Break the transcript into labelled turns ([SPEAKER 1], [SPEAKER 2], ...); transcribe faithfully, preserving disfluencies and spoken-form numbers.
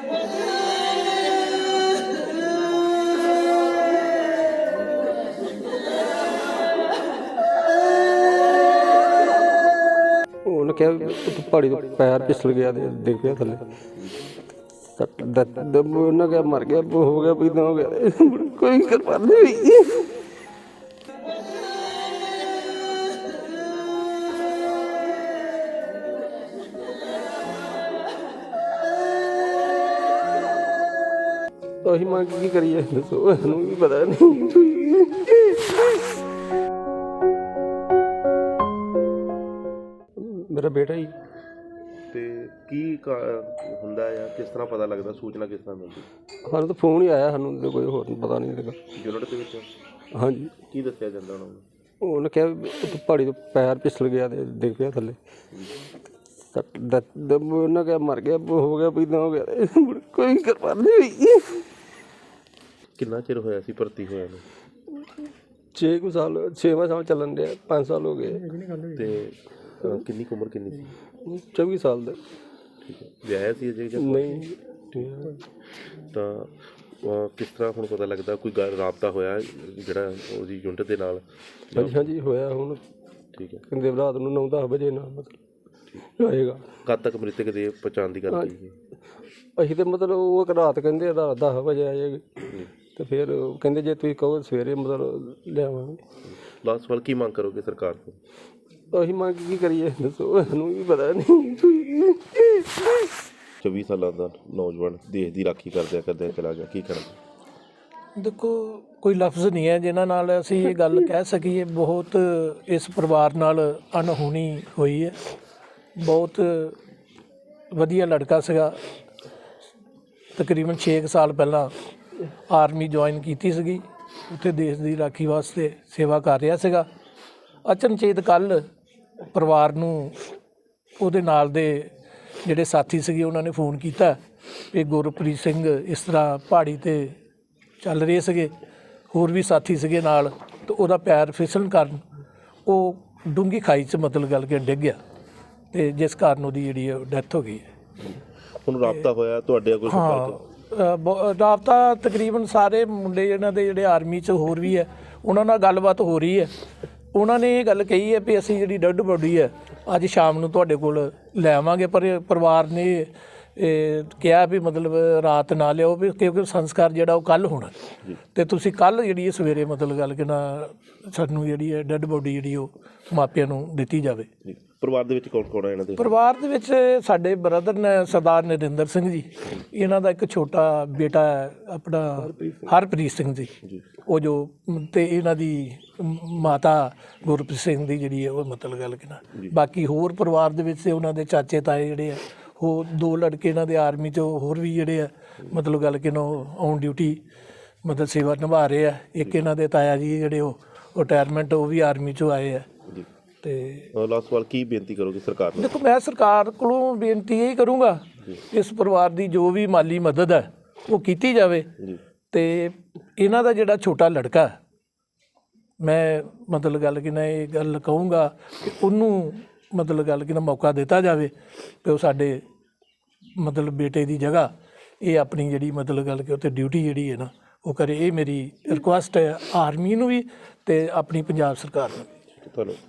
[SPEAKER 1] ਉਹਨੇ ਕਿਹਾ ਤੂੰ ਪਹਾੜੀ ਤੋਂ ਪੈਰ ਫਿਸਲ ਗਿਆ ਤੇ ਡਿੱਗ ਪਿਆ ਥੱਲੇ। ਉਹਨਾਂ ਕਿਹਾ ਮਰ ਗਿਆ, ਹੋ ਗਿਆ, ਵੀ ਹੋ ਗਿਆ, ਕੋਈ ਕਿਰਪਾ ਨਹੀਂ ਹੋਈ। ਅਸੀਂ ਮੰਗ ਕੀ ਕਰੀਏ ਦੱਸੋ, ਸਾਨੂੰ ਵੀ ਪਤਾ ਨਹੀਂ। ਮੇਰਾ ਬੇਟਾ ਹੀ।
[SPEAKER 2] ਤੇ ਕੀ ਹੁੰਦਾ ਆ, ਕਿਸ ਤਰ੍ਹਾਂ ਪਤਾ ਲੱਗਦਾ, ਸੂਚਨਾ ਕਿਸ ਤਰ੍ਹਾਂ ਮਿਲਦੀ?
[SPEAKER 1] ਸਾਨੂੰ ਤਾਂ ਫੋਨ ਹੀ ਆਇਆ, ਸਾਨੂੰ ਤਾਂ ਕੋਈ ਹੋਰ ਪਤਾ ਨਹੀਂ ਲੱਗਾ।
[SPEAKER 2] ਯੂਨਿਟ ਦੇ ਵਿੱਚ?
[SPEAKER 1] ਹਾਂਜੀ।
[SPEAKER 2] ਕੀ ਦੱਸਿਆ ਜਾਂਦਾ ਉਹਨਾਂ ਨੂੰ?
[SPEAKER 1] ਉਹਨੇ ਕਿਹਾ ਤੂੰ ਪਹਾੜੀ ਤੋਂ ਪੈਰ ਫਿਸਲ ਗਿਆ ਤੇ ਡਿੱਗ ਪਿਆ ਥੱਲੇ। ਉਹਨਾਂ ਕਿਹਾ ਮਰ ਗਿਆ, ਹੋ ਗਿਆ, ਵੀ ਹੋ ਗਿਆ, ਕੋਈ ਕਿਰਪਾ ਨਹੀਂ ਹੋਈ।
[SPEAKER 2] ਕਿੰਨਾ ਚਿਰ ਹੋਇਆ ਸੀ ਭਰਤੀ ਹੋਇਆ ਨੂੰ?
[SPEAKER 1] ਛੇ ਕੁ ਸਾਲ, ਛੇਵਾਂ ਸਾਲ ਚੱਲਣ ਡਿਆ, ਪੰਜ ਸਾਲ ਹੋ ਗਏ।
[SPEAKER 2] ਤੇ ਕਿੰਨੀ ਕੁ ਉਮਰ ਕਿੰਨੀ ਸੀ?
[SPEAKER 1] ਚੌਵੀ ਸਾਲ ਦਾ।
[SPEAKER 2] ਠੀਕ ਹੈ। ਵਿਆਹਿਆ ਸੀ ਅਜੇ ਜਾਂ
[SPEAKER 1] ਨਹੀਂ?
[SPEAKER 2] ਤਾਂ ਕਿਸ ਤਰ੍ਹਾਂ ਹੁਣ ਪਤਾ ਲੱਗਦਾ, ਕੋਈ ਗੱਲ ਰਾਬਤਾ ਹੋਇਆ ਜਿਹੜਾ ਉਹਦੀ ਯੂਨਿਟ ਦੇ ਨਾਲ?
[SPEAKER 1] ਹਾਂਜੀ ਹਾਂਜੀ ਹੋਇਆ ਹੁਣ।
[SPEAKER 2] ਠੀਕ ਹੈ।
[SPEAKER 1] ਕਹਿੰਦੇ ਰਾਤ ਨੂੰ ਨੌ ਦਸ ਵਜੇ ਨਾਲ ਮਤਲਬ ਆਏਗਾ।
[SPEAKER 2] ਕਦ ਤੱਕ ਮ੍ਰਿਤਕ ਦੇ ਪਛਾਣ ਦੀ ਗੱਲ ਕੀਤੀ? ਅਸੀਂ
[SPEAKER 1] ਤਾਂ ਮਤਲਬ ਉਹ ਰਾਤ ਕਹਿੰਦੇ ਰਾਤ ਦਸ ਵਜੇ ਆ ਜਾਏਗੀ, ਤੇ ਫਿਰ ਕਹਿੰਦੇ ਜੇ ਤੁਸੀਂ ਕਹੋ ਸਵੇਰੇ ਮਤਲਬ ਲਿਆਵਾਂਗੇ।
[SPEAKER 2] ਲਾਸਟ ਸਵਾਲ, ਕੀ ਮੰਗ ਕਰੋਗੇ ਸਰਕਾਰ ਤੋਂ?
[SPEAKER 1] ਅਸੀਂ ਮੰਗ ਕੀ ਕਰੀਏ ਦੱਸੋ, ਸਾਨੂੰ ਵੀ ਪਤਾ ਨਹੀਂ।
[SPEAKER 2] ਚੌਵੀ ਸਾਲਾਂ ਦਾ ਨੌਜਵਾਨ ਦੇਸ਼ ਦੀ ਰਾਖੀ ਕਰਦਿਆਂ ਕਰਦਿਆਂ ਚਲਾ ਗਿਆ, ਕੀ ਕਰਾਂਗੇ?
[SPEAKER 3] ਦੇਖੋ, ਕੋਈ ਲਫ਼ਜ਼ ਨਹੀਂ ਹੈ ਜਿਨ੍ਹਾਂ ਨਾਲ ਅਸੀਂ ਇਹ ਗੱਲ ਕਹਿ ਸਕੀਏ। ਬਹੁਤ ਇਸ ਪਰਿਵਾਰ ਨਾਲ ਅਣਹੋਣੀ ਹੋਈ ਹੈ। ਬਹੁਤ ਵਧੀਆ ਲੜਕਾ ਸੀਗਾ। ਤਕਰੀਬਨ ਛੇ ਕੁ ਸਾਲ ਪਹਿਲਾਂ ਆਰਮੀ ਜੁਆਇਨ ਕੀਤੀ ਸੀਗੀ, ਉੱਥੇ ਦੇਸ਼ ਦੀ ਰਾਖੀ ਵਾਸਤੇ ਸੇਵਾ ਕਰ ਰਿਹਾ ਸੀਗਾ। ਅਚਨਚੇਤ ਕੱਲ੍ਹ ਪਰਿਵਾਰ ਨੂੰ ਉਹਦੇ ਨਾਲ ਦੇ ਜਿਹੜੇ ਸਾਥੀ ਸੀਗੇ ਉਹਨਾਂ ਨੇ ਫੋਨ ਕੀਤਾ ਕਿ ਗੁਰਪ੍ਰੀਤ ਸਿੰਘ ਇਸ ਤਰ੍ਹਾਂ ਪਹਾੜੀ 'ਤੇ ਚੱਲ ਰਹੇ ਸੀਗੇ, ਹੋਰ ਵੀ ਸਾਥੀ ਸੀਗੇ ਨਾਲ, ਅਤੇ ਉਹਦਾ ਪੈਰ ਫਿਸਲਣ ਕਾਰਨ ਉਹ ਡੂੰਘੀ ਖਾਈ 'ਚ ਮਤਲਬ ਗੱਲ ਕੇ ਡਿੱਗ ਗਿਆ, ਅਤੇ ਜਿਸ ਕਾਰਨ ਉਹਦੀ ਜਿਹੜੀ ਡੈਥ ਹੋ ਗਈ ਹੈ।
[SPEAKER 2] ਹੁਣ ਰਾਬਤਾ ਹੋਇਆ ਤੁਹਾਡੇ ਕੋਲ?
[SPEAKER 3] ਹਾਂ, ਰਾਬਤਾ ਤਕਰੀਬਨ ਸਾਰੇ ਮੁੰਡੇ ਇਹਨਾਂ ਦੇ ਜਿਹੜੇ ਆਰਮੀ 'ਚ ਹੋਰ ਵੀ ਹੈ, ਉਹਨਾਂ ਨਾਲ ਗੱਲਬਾਤ ਹੋ ਰਹੀ ਹੈ। ਉਹਨਾਂ ਨੇ ਇਹ ਗੱਲ ਕਹੀ ਹੈ ਵੀ ਅਸੀਂ ਜਿਹੜੀ ਡੈੱਡ ਬੋਡੀ ਹੈ ਅੱਜ ਸ਼ਾਮ ਨੂੰ ਤੁਹਾਡੇ ਕੋਲ ਲੈ ਆਵਾਂਗੇ, ਪਰ ਪਰਿਵਾਰ ਨੇ ਕਿਹਾ ਵੀ ਮਤਲਬ ਰਾਤ ਨਾ ਲਿਆਓ, ਵੀ ਕਿਉਂਕਿ ਸੰਸਕਾਰ ਜਿਹੜਾ ਉਹ ਕੱਲ੍ਹ ਹੋਣਾ, ਅਤੇ ਤੁਸੀਂ ਕੱਲ੍ਹ ਜਿਹੜੀ ਸਵੇਰੇ ਮਤਲਬ ਗੱਲ ਕਿ ਨਾ ਸਾਨੂੰ ਜਿਹੜੀ ਹੈ ਡੈੱਡ ਬੋਡੀ ਜਿਹੜੀ ਉਹ ਮਾਪਿਆਂ ਨੂੰ ਦਿੱਤੀ ਜਾਵੇ।
[SPEAKER 2] ਪਰਿਵਾਰ ਦੇ ਵਿੱਚ ਕੌਣ ਕੌਣ ਹੈ ਇਹਨਾਂ ਦੇ?
[SPEAKER 3] ਪਰਿਵਾਰ ਦੇ ਵਿੱਚ ਸਾਡੇ ਬ੍ਰਦਰ ਨੇ ਸਰਦਾਰ ਨਰਿੰਦਰ ਸਿੰਘ ਜੀ, ਇਹਨਾਂ ਦਾ ਇੱਕ ਛੋਟਾ ਬੇਟਾ ਹੈ ਆਪਣਾ ਹਰਪ੍ਰੀਤ ਸਿੰਘ ਜੀ, ਉਹ ਜੋ, ਅਤੇ ਇਹਨਾਂ ਦੀ ਮਾਤਾ ਗੁਰਪ੍ਰੀਤ ਸਿੰਘ ਦੀ ਜਿਹੜੀ ਹੈ ਉਹ ਮਤਲਬ ਗੱਲ ਕਿ ਨਾ। ਬਾਕੀ ਹੋਰ ਪਰਿਵਾਰ ਦੇ ਵਿੱਚ ਉਹਨਾਂ ਦੇ ਚਾਚੇ ਤਾਏ ਜਿਹੜੇ ਆ, ਉਹ ਦੋ ਲੜਕੇ ਇਹਨਾਂ ਦੇ ਆਰਮੀ 'ਚ ਹੋਰ ਵੀ ਜਿਹੜੇ ਆ ਮਤਲਬ ਗੱਲ ਕਿ ਨਾ ਔਨ ਡਿਊਟੀ ਮਤਲਬ ਸੇਵਾ ਨਿਭਾ ਰਹੇ ਆ। ਇੱਕ ਇਹਨਾਂ ਦੇ ਤਾਇਆ ਜੀ ਜਿਹੜੇ ਉਹ ਰਿਟਾਇਰਮੈਂਟ, ਉਹ ਵੀ ਆਰਮੀ 'ਚੋਂ ਆਏ ਆ। ਤੇ
[SPEAKER 2] ਲਾਸਟ ਸਵਾਲ, ਕੀ ਬੇਨਤੀ ਕਰੋਗੇ ਸਰਕਾਰ ਨੂੰ?
[SPEAKER 3] ਦੇਖੋ, ਮੈਂ ਸਰਕਾਰ ਕੋਲੋਂ ਬੇਨਤੀ ਇਹ ਕਰੂੰਗਾ ਇਸ ਪਰਿਵਾਰ ਦੀ ਜੋ ਵੀ ਮਾਲੀ ਮਦਦ ਹੈ ਉਹ ਕੀਤੀ ਜਾਵੇ, ਅਤੇ ਇਹਨਾਂ ਦਾ ਜਿਹੜਾ ਛੋਟਾ ਲੜਕਾ, ਮੈਂ ਮਤਲਬ ਗੱਲ ਕਿ ਨਾ ਇਹ ਗੱਲ ਕਹੂੰਗਾ ਕਿ ਉਹਨੂੰ ਮਤਲਬ ਗੱਲ ਕਿ ਨਾ ਮੌਕਾ ਦਿੱਤਾ ਜਾਵੇ ਕਿ ਉਹ ਸਾਡੇ ਮਤਲਬ ਬੇਟੇ ਦੀ ਜਗ੍ਹਾ ਇਹ ਆਪਣੀ ਜਿਹੜੀ ਮਤਲਬ ਗੱਲ ਕਿ ਉੱਥੇ ਡਿਊਟੀ ਜਿਹੜੀ ਹੈ ਨਾ ਉਹ ਕਰੇ। ਇਹ ਮੇਰੀ ਰਿਕੁਐਸਟ ਹੈ ਆਰਮੀ ਨੂੰ ਵੀ ਅਤੇ ਆਪਣੀ ਪੰਜਾਬ ਸਰਕਾਰ ਨੂੰ ਵੀ।
[SPEAKER 2] ਤੁਹਾਨੂੰ